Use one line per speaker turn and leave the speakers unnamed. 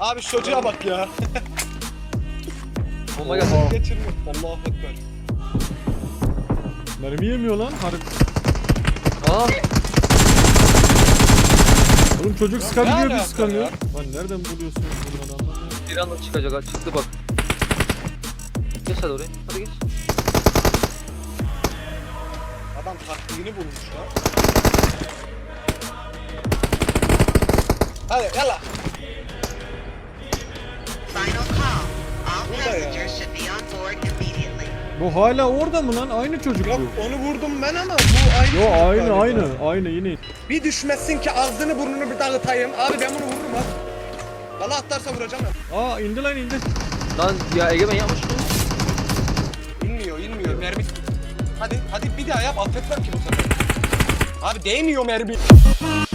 Abi şu çocuğa bak ya.
Bomba geldi.
Geçirmiyor. Allahu ekber.
Mermi yemiyor lan. Harbi.
Aa.
Oğlum çocuk sıkamıyor,
Ne
biz
alaka
sıkamıyor.
ya?
Lan nereden buluyorsunuz bunları anlamıyorum.
Bir anda çıkacak ha. Çıktı bak. Geç hadi oraya. Hadi geç.
Adam taktiğini bulmuş lan. Hadi yalla.
Final call. All
Burada ya.
passengers should be on board immediately.
Bu hala orada mı lan? Aynı çocuk
Yok
bu.
onu vurdum ben ama bu aynı.
Yo
çocuk
aynı
galiba.
aynı yine.
Bir düşmesin ki ağzını burnunu bir dağıtayım. Abi ben bunu vururum ha. Valla atlarsa vuracağım ben.
Aa indi lan indi.
Lan ya Egemen yapmış mı?
İnmiyor mermi. Hadi bir daha yap affetmem ki bu sefer. Abi değmiyor mermi.